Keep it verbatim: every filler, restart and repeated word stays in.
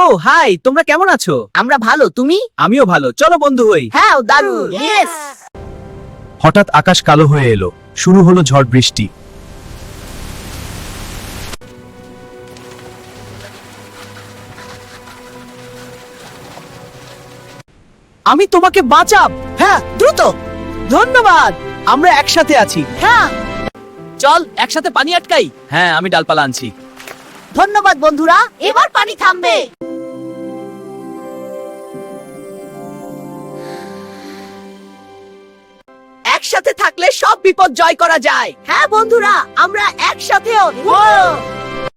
High, তোমরা কেমন আছো? আমরা ভালো, তুমি? আমিও ভালো, চলো বন্ধু হই। হ্যাঁ, দারুণ। ইয়েস। হঠাৎ আকাশ কালো হয়ে এলো, শুরু হলো ঝড় বৃষ্টি। আমি তোমাকে বাঁচাব। হ্যাঁ, দ্রুত। ধন্যবাদ, আমরা একসাথে আছি। হ্যাঁ, চল একসাথে পানি আটকাই। হ্যাঁ, আমি ডালপালা আনছি। ধন্যবাদ বন্ধুরা, এবার পানি থামবে। একসাথে থাকলে সব বিপদ জয় করা যায়। হ্যাঁ বন্ধুরা, আমরা একসাথেও।